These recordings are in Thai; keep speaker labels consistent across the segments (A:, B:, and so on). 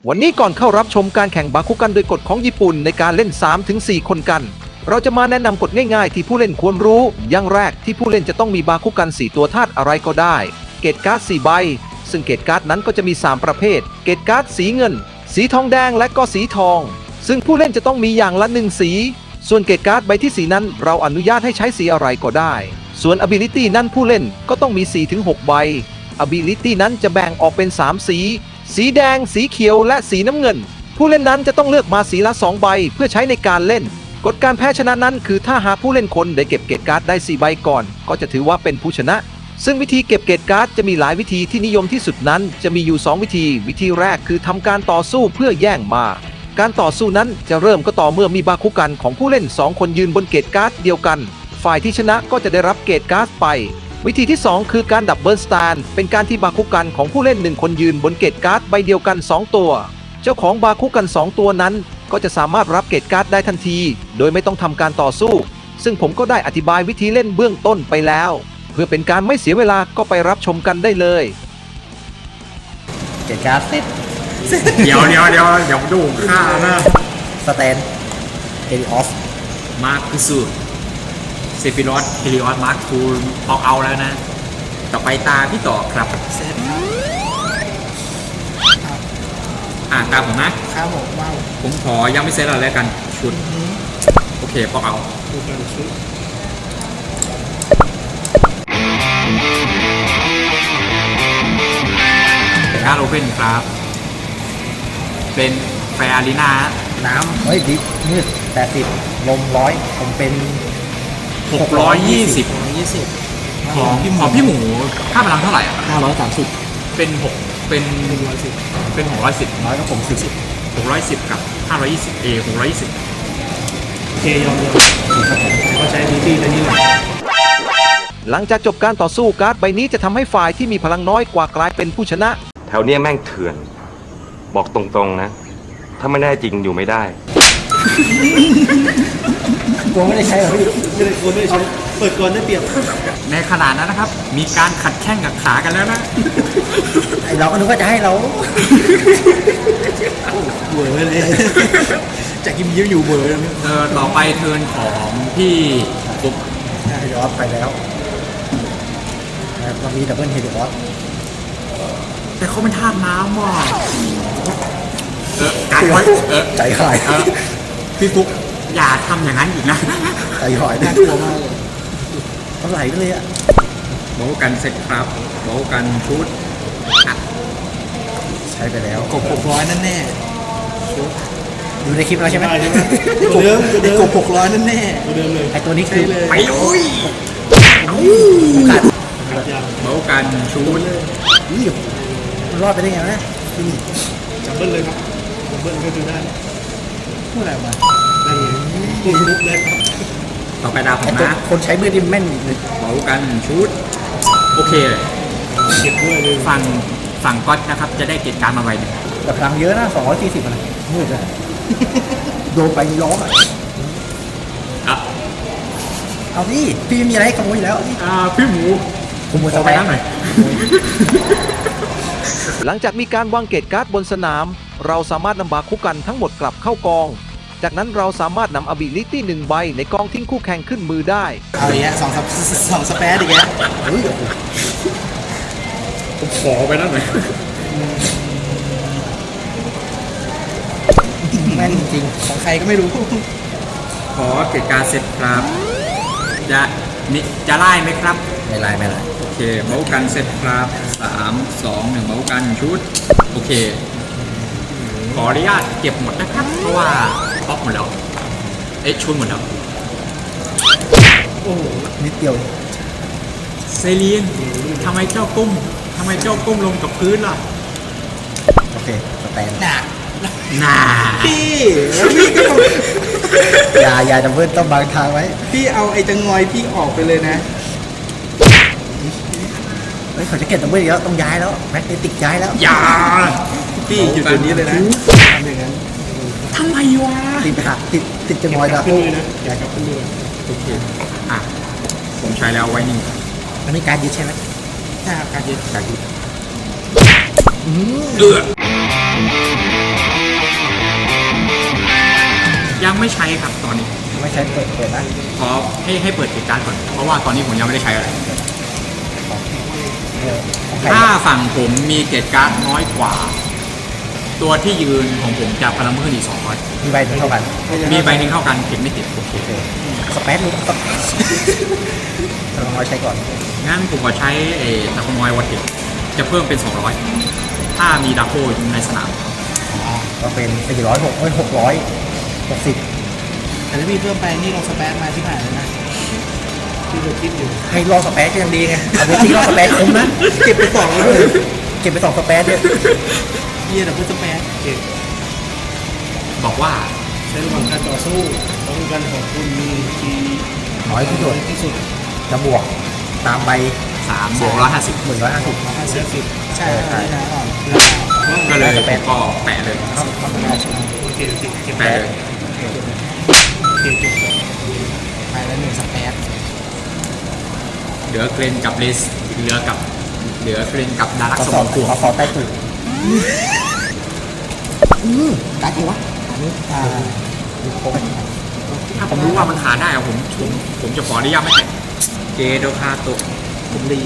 A: วันนี้ก่อนเข้ารับชมการแข่งบาคุกันโดยกฎของญี่ปุ่นในการเล่น 3-4 คนกันเราจะมาแนะนำกฎง่ายๆที่ผู้เล่นควรรู้อย่างแรกที่ผู้เล่นจะต้องมีบาคุกัน4ตัวธาตุอะไรก็ได้เกตการ์ด4ใบซึ่งเกตการ์ดนั้นก็จะมี3ประเภทเกตการ์ดสีเงินสีทองแดงและก็สีทองซึ่งผู้เล่นจะต้องมีอย่างละ1สีส่วนเกตการ์ดใบที่สีนั้นเราอนุญาตให้ใช้สีอะไรก็ได้ส่วน ability นั้นผู้เล่นก็ต้องมี 4-6 ใบ ability นั้นจะแบ่งออกเป็น3สีสีแดงสีเขียวและสีน้ำเงินผู้เล่นนั้นจะต้องเลือกมาสีละ2ใบเพื่อใช้ในการเล่นกฎการแพ้ชนะนั้นคือถ้าหากผู้เล่นคนได้เก็บเกตการ์ดได้4ใบก่อนก็จะถือว่าเป็นผู้ชนะซึ่งวิธีเก็บเกตการ์ดจะมีหลายวิธีที่นิยมที่สุดนั้นจะมีอยู่2วิธีวิธีแรกคือทำการต่อสู้เพื่อแย่งมาการต่อสู้นั้นจะเริ่มก็ต่อเมื่อมีบาคุกันของผู้เล่น2คนยืนบนเกตการ์ดเดียวกันฝ่ายที่ชนะก็จะได้รับเกตการ์ดไปวิธีที่2คือการดับเบิลสแตนเป็นการที่บาคุกันของผู้เล่น1คนยืนบนเกตการ์ดใบเดียวกัน2ตัวเจ้าของบาคุกัน2ตัวนั้นก็จะสามารถรับเกตการ์ดได้ทันทีโดยไม่ต้องทำการต่อสู้ซึ่งผมก็ได้อธิบายวิธีเล่นเบื้องต้นไปแล้วเพื่อเป็นการไม่เสียเวลาก็ไปรับชมกันได้เลย
B: เกตการ์ดเซต
C: เดี๋ยวดูข้านะ
B: สแตนเฮลิออส
C: มาร์คซูเซฟิรอสเฮลิออสมาร์คทูออกเอาแล้วนะต่อไปตาพี่ต่อครับตามผมนะครับ
D: ผมว้าว
C: ผมขอยังไม่เซตอะไรแล้วกันชุดโอเคปอกเอา
D: ดูกันชุด
C: การโอเพ่นครับเป็นแฟร์อารีนา
B: น้ำเฮ้ยดิมืด80ลม100ผมเป็น
C: 620ของพี่หมูค่าพลังเท่าไหร่อ่ะ
D: 530
C: เป็น6เป็น610เป็น610
B: น้อยก็ผม
C: 610กับ520 620
D: เคยอมเขาใช้ดีที่นี่แหละ
A: หลังจากจบการต่อสู้การ์ดใบนี้จะทำให้ฝ่ายที่มีพลังน้อยกว่ากลายเป็นผู้ชนะ
E: แถวเนี้ยแม่งเถื่อนบอกตรงๆนะถ้าไม่ได้จริงอยู่ไม่ได้
B: กลัวไม่ได้ใช้หรอพี่
D: ไม่ได้คนไม่ได้ใช้เปิดก่อนได้เปรียบ
C: ในขนาดนั้นนะครับมีการขัดแข้งกับขากันแล้วนะ
B: ไอเราก็นึกว่าจะให้เรา
D: เบื่อเลยจากยิ้มอยู่เบื่อ
C: ต่อไปเทิร์นของพี่ปุ๊บ
B: เฮลิออสไปแล้วเรามีดับเบิลเฮลิออส
C: แต่เขาเป็นธาตุน้ำว่ะการไว้
B: ใจหาย
C: พี่ปุ๊บอย่าทำอย่างนั้นอีกนะ
B: ใจหายน่ากลัวมากเลยมันไหลไปเลยอะ
C: บอกกันเสร็จครับบอกกันชุด
B: ใช้ไปแล้ว
D: กบ600นั่นแน่
B: ดูในคลิปเราใช่ไหม
D: ตัวเดิมกบ600นั่นแน่
B: ตัวเดิมเลยไอตัวนี้คือ
C: ไปลุยบอกกันชุด
B: มันรอดไปได้ไงวะนี่
D: จับเบิ้ลเลยครับจับเบิ้ลก็คือได้เมื่อไหร่มาได้ปุ๊บเลยครับ
C: ต่อไปดาวผมนะ
B: คนใช้มือดิมแม่นเลย
C: บอกกันชุดโอเค
D: เก็บด้วยเลย
C: ฝั่งก๊อตนะครับจะได้เกตการมาไว้
B: แต่พลังเยอะนะ240อะไรมืดเลยโดนไปร้องเอาพี่มีอะไรให้ขโมยอยู่แล้ว
C: พี่หมู
B: ขโมยไป
C: หน่อย
A: หลังจากมีการวางเกตการ์ดบนสนามเราสามารถนำบาคุกันทั้งหมดกลับเข้ากองจากนั้นเราสามารถนำ ability 1 ใบในกองทิ้งคู่แข่งขึ้นมือได้
D: เอาอย่างเงี้ย2 สเปซอีกแล้ว
C: ผมขอไปนั่นหน่อย
B: แม่นจริง
D: ของใครก็ไม่รู้
C: ขอเกตการเสร็จครับจะไล่ไหมครับ
B: ไม่ไล่
C: โอเคเมาส์กันเสร็จครับ3 2 1เมาส์กันชุดโอเคขออนุญาตเก็บหมดนะครับเพราะว่าป๊อปหมดแล้วชุดหมดแล้ว
D: โอ้
B: นิดเดียว
C: เซเลียนทำไมเจ้าก้มลงกับพื้นล่ะ
B: โอเคสแตน
C: น่า
D: พี่
B: อย่าดับเบิลต้องบางทางไว้
D: พี่เอาไอ้จังงอยพี่ออกไปเลยนะ
B: เขาจะเก็บดับเบิลอีกแล้วต้องย้ายแล้วแม็กเนติกย้ายแล้ว
C: อย่า
D: พี่อยู่ตัวนี้เลยนะทำอย่างนั้น
C: ทำไมวะ
B: ติดจังงอยแล้ว
D: อยากกลับขึ้นเลย
C: โอเคผมใช้แล้วไว้นี่
B: อันนี้การยึดใช่ไหม
D: ใช่ครับการยึด
C: ไม่ใช้ครับตอนนี้
B: ไม่ใช้เปิดนะ
C: ขอให้เปิดเกตการ์ดก่อนเพราะว่าตอนนี้ผมยังไม่ได้ใช้อะไร
B: ของใคร
C: ถ้าฝั่งผมมีเกตการ์ดน้อยกว่า ตัวที่ยืนของผมจะพลังเพิ่มอีก200
B: มีใบเท่ากัน
C: มีใบหนึ่งเท่ากันเก็บไม่ติดโอเค
B: โอเคสเปซลูกเราลองใช้ก่อน
C: งั้นผมก็ใช้ตะคอมอยวอตเทคจะเพิ่มเป็น 200 ถ้ามีดาโคอยู่ในสนาม
B: ก็เป็น660
D: แต่ถ้าพี่เพิ่มไปนี่ลงสเปซมาที่ผ่านเลยนะที่เราคิดอยู่
B: ให้รอสเปซก็ยังดีไงเอาไปที่รอสเปซคุ้มนะเก็บไป2เลยเก็บไป2สเปซเนี่ย
D: เยี่ยแต่เพิ่มสเปซเก่ง
C: บอกว่า
D: ใช้ระหว่างการต่อสู้ป้องกันของคุณมีที
B: น้อยที่สุด
D: ที่สุด
B: จะบวกตามใบ
C: 3 บวก 150
B: 150
D: ใช่ใช่ใช่ก่อน
C: ก็เลยผมก็แปะเลย
D: โอเคโอเคเก็บ
C: แปะเลย
D: เก็บไปแล้ว1สเปซ
C: เหลือเกรนกับเลสเหลือเกรนกับดารัก
B: ขอ
C: ส
B: ส
C: ม
B: อ
C: อบ งกวง
B: ขอใต้ตุ่การกี่วะอันนี้ดูโค้ง
C: ถ้าผมรู้ว่ามันขาดได้อะผมจะขออนุญาตไม่แตะเจโดคาโตะ
D: ผมรี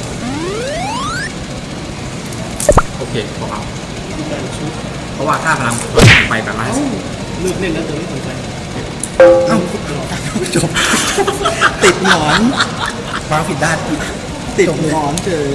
C: โอเคพอเอา
D: การชุด
C: เพราะว่าค่าพลังไปแบบ150
D: เลือกเล่นแล้วแต่ไม่สนใจ
B: เอ้าจบ
D: ติดหนอน
B: วางผิดด้าน
D: ติดหนอนเฉย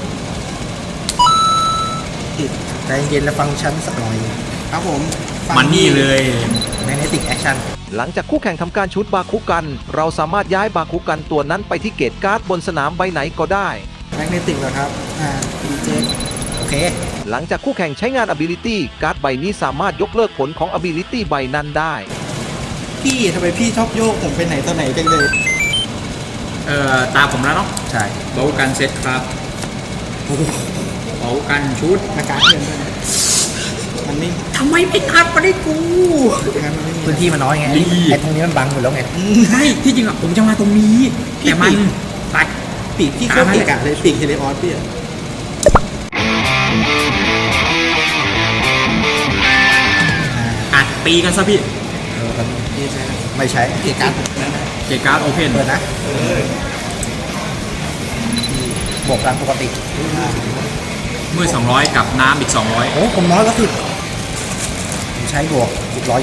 D: ติด
B: ใจเย็นและฟังชั้นสักหน่อย
D: ครับผมฟัง
C: มันนี่เลย
B: แมกเนติกแอคชั่น
A: หลังจากคู่แข่งทำการชุดบาคุกัน เราสามารถย้ายบาคุกันตัวนั้นไปที่เกตการ์ดบนสนามใบไหนก็ได้
D: แมกเนติกเหรอครับดีเจ
B: โอเค
A: หลังจากคู่แข่งใช้งาน ability การ์ดใบนี้สามารถยกเลิกผลของ ability ใบนั้นได้
D: พี่ทำไมพี่ชอบโยกผมไปไหนตอนไหนจังเลย
C: ตามผมแล้วเนาะ
B: ใช่
C: เบากันเซตครับเบากันชุด
D: อากาศเย็นด้วยนะมันไม่
C: ทำไมไม่ทับมาได้กู
D: งั้นมันไม่มี
B: พื้นที่มันน้อยไง
C: ดี
B: ไอ้ตรงนี้มันบังหมดแล้วไง
C: ใช่ที่จริงอะผมจะมาตรงนี้ แต่มันตัด
D: ปีกพี่โคตรเกะกะเลยปีกเฮลิออสพี่อะ
C: อัดตีกันซะพี่
D: นี่ใช่ครับ
B: ไม่ใช้
D: เกะกะผมนะ
C: เกตการ์ดโอเพน
B: เปิดนะบวกตามปกติ
C: มือ200 กับน้ำอีก
B: โอ้ผมน้อยก็สิบผมใช้บวกอีก120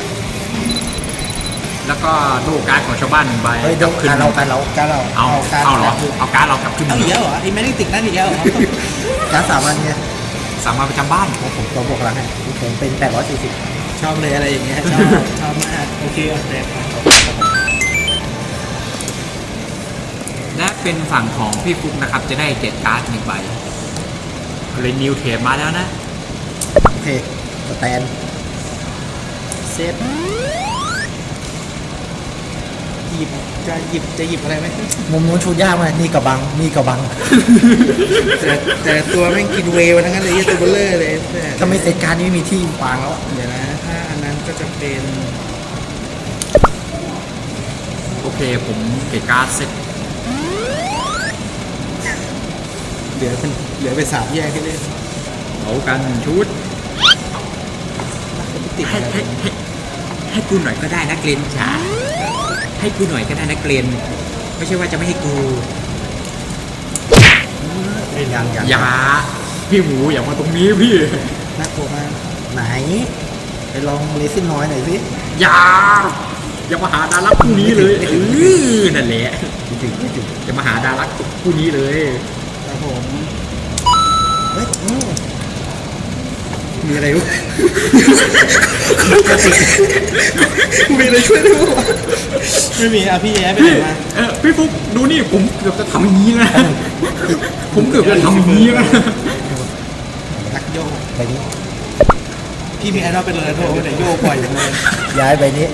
C: 200 แล้วก็ดูการ์ดของชาวบ้าน1ใบ
B: เฮ้ยเดี๋ยว
C: ขึ้น
B: การเราการเรา
D: การเรา
C: เอาเหรอ เอาการ์ดเรากลับขึ้น
D: เอาอีกแล้วเหรอไอ้แมกเนติกนั่นอีกแล้วเหรอ
B: การสามวันเนี่ย
C: สามารถประจำบ้าน
B: ผมตัวบวกหลังให้ผมเป็น840
D: ชอบเลยอะไรอย่างเงี้ยชอบมากโอเคโอเคครับ
C: และเป็นฝั่งของพี่ฟุกนะครับ จะได้เกตการ์ด1ใบเลยนิวเทปมาแล้วนะ
B: โอเคสแตน
D: เซฟหยิบจะหยิบอะไรไหม
B: มุมนู้นชูยากมากนี่กระบังนี่กระบัง
D: แต่ตัวแม่งกินเวย์ทั้งนั้นเลยตัวเบลเลอร์เลย
B: ถ้าไม่เซตการนี้ไม่มีที่วางแล้ว
D: เดี๋ยวนะถ้าอันนั้นก็จะเป็น
C: โอเคผมเกตการ์ดเสร็จ
D: เหลือเป็น3แยกให้เล่น
C: เอากันชุด
D: ติด
C: ให้กูหน่อยก็ได้นะเกรนจ๋าให้กูหน่อยก็ได้นะเกรนไม่ใช่ว่าจะไม่ให้กู
B: ยัง
C: อย่าพี่หมูอย่ามาตรงนี้พี่
D: น่ากลัวมาก
B: ไหนไปลองเลซินน้อยหน่อยสิ
C: อย่ามาหาดารักคู่นี้เลยนั่นแหละ
B: ไม่ถึง
C: อย่ามาหาดารักคู่นี้เลย
D: ครับผม
B: เฮ้ย
D: มีอะไรวะมีอะไรช่วยได้บ้างวะไม่มีอ่ะพี่แย้ไปไหนมา
C: พี่ฟุกดูนี่ผมเกือบจะทำอย่างนี้นะผมเกือบจะทำอย่างนี้นะ
D: นักโยก
B: ใบนี้
D: พี่มีไอดอลเป็นเลยโทรไปไหนโยกปล่อยอย่างเลย
B: ย้ายใบนี้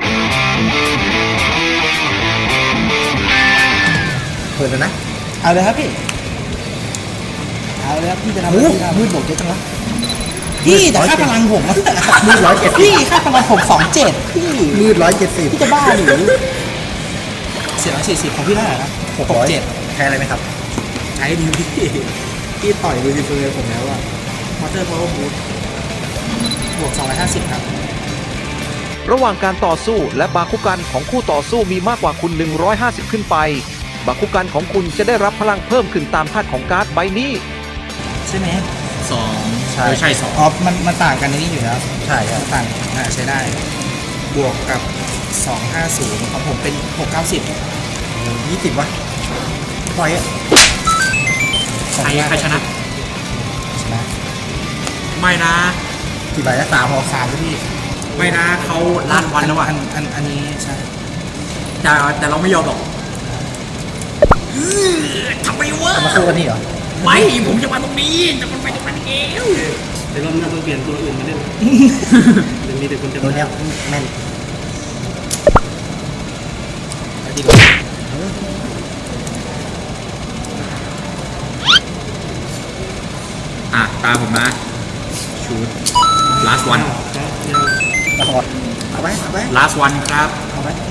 B: เปิดแล้วนะ
D: เอาเลยครับพี่เอาเลยครับพี่จะทำ
B: โอ้
D: อะไรพี่ทำ
B: มืดบวกเยอะจังวะ
D: พี่แต่ค่าพลังผมอะ
B: มืด170
D: พี่ค่าพลังผม27พี่
B: มืด170
D: พี่จะบ้าหรือ440ของพี่เท่าไหร่นะ67
B: ใช้อะไรไหมครับ
D: ใช้ดีพี่ต่อยลูซิเฟอร์ผมแล้วอะมอเตอร์พาวเวอร์บูทบวก250ครับ
A: ระหว่างการต่อสู้และบาคุกันของคู่ต่อสู้มีมากกว่าคุณ150ขึ้นไปบาคุกันของคุณจะได้รับพลังเพิ่มขึ้นตามธาตุของการ์ดใบนี้
B: ใช่ไหม
C: สอง
B: ใช่
C: ใช่สอง
B: อ๋อมันต่างกันในนี้อยู่แล้วใช่ครับต่างใช้ได้ บวกกับ 250ของผมเป็น 690 20วะปล่อยอ่ะ
C: ใครชนะ
B: ชนะ
C: ไม่นะ
B: กี่ใบแล้ว3 ด้วยพี่
C: ไม่นะเขาล้านวันแล้วอ่ะ
B: อันนี้ใช่
C: แต่เราไม่ยอมหรอกทำไมวะ
B: จะมาสู้กันนี่เหรอ
C: ไม่ผมจะมาตรงนี้แต่มันไปตรงนั้นเอง
D: เดี๋ยวรอบหน้าต้องเปลี่ยนตัวอื่นมาเล่นเดี๋ยวมีแต่คนจะ
B: ตัวเนี้ยแม่นไปดีกว่า
C: อ่ะตามผมนะชูด last one
B: ละครเอาไว้เอาไว้
C: last one ครับ
B: เอาไว้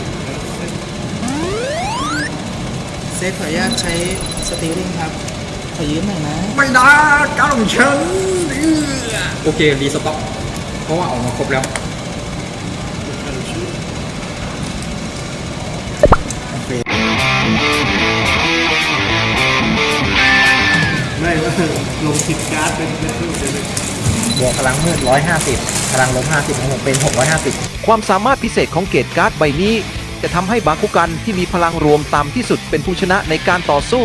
B: เซฟขออนุญาตใช้สติลลิ่งครับ ขอยืมหน่อยนะ
C: ไม่นะก้าวของฉันโอเครีสต็อกเพราะว่าออกมาครบแล้ว
B: โอเค
D: ไม่ว่าลงผิดการ์ดเป็นรูปเลย
B: บวกพลังมืด150พลังลบ50ของผมเป็น650
A: ความสามารถพิเศษของเกตการ์ดใบนี้ จะทำให้บาคุกันที่มีพลังรวมต่ำที่สุดเป็นผู้ชนะในการต่อสู้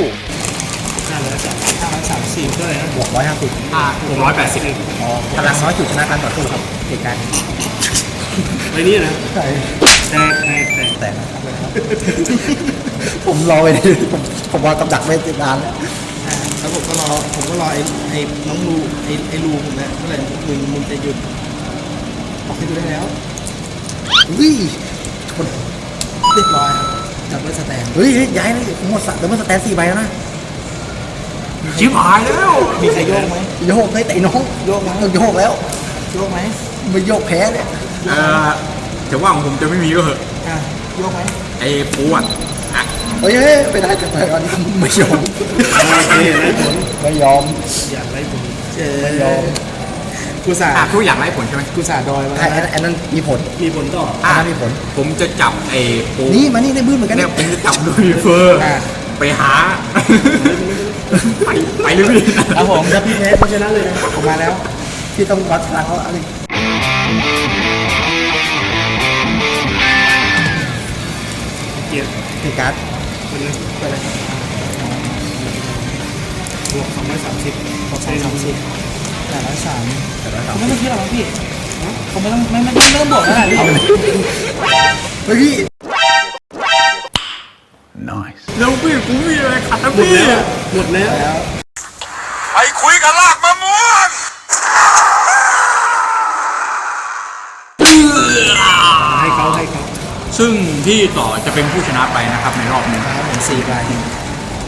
D: 530ด้วยนะ
B: บวก150
C: 680
B: อ๋อพลังน้อยสุดชนะการต่อสู้ครับเหตุการณ์นี้
D: ไปนี่นะ
B: ใช่
D: แต่
B: แต่นะครับผมรอไปเลยผมวางกับดักไว้ติดนานแล้วแล้วผมก็รอไอ้น้องรูไอ้รูผมเนี่ยเมื่อไหร่มึงจะหยุดบอกให้ดูได้แล้วอุ้ยชนเรียบร้อยครับดับเบิลสแตนเฮ้ยย้ายเลยผมหมดดับเบิลสแตน4 ใบแล้วนะ
C: ชิบหายแล้ว
B: มีใครโยกไหมโยกไม่แต่น้องโยกไหมโยกแล้วโยกไหมไม่โยกแพ้เนี่ย
C: จะว่าของผมจะไม่มีก็เหอะ
B: โยกไหม
C: ไอ้ปูอ่ะ
B: เฮ้ยไม่ได้จะไปก่อนไม่ยอมไม่ยอม
D: อยากไล่ผม
B: ไม่ยอมกูสา
C: ทุกอย่างไร้ผลใช่ไหม
B: กูสาดอยมาอันนั้นมีผล
D: มีผลต่อ
B: อันนั้นมีผล
C: ผมจะจับไอ้ปู
B: นี่มานี่ได้บื้นเหมือนกัน
C: เนี่
B: เนี่ย ย
C: ผมจะจับด้วยเฟอร์ ไปหา ไปเลยพี่
B: ครับผมถ้าพี่แพ้เขาชนะเลยนะผมมาแล้วพี่ต้องวัดพลังเขาอะไร
D: เกียร์
B: เหตุการณ์
D: คนนึง
B: ไปเลย
D: บวก230
B: 230แต่ละ3ผมไม่ต้องคิดหรอกพี่
F: ผมไม่ต้องบอกแล้วแหละพี่
B: เฮ้ยพี่
C: แล้วพี่กูมีอะไรขัดนะ
D: หมด
C: พี่
D: แล้วหมดแล้ว
G: ไปคุยกับลากมะม่วง
D: ให้เขา
C: ซึ่งพี่ต่อจะเป็นผู้ชนะไปนะครับในรอบนี้
B: 4 ใบ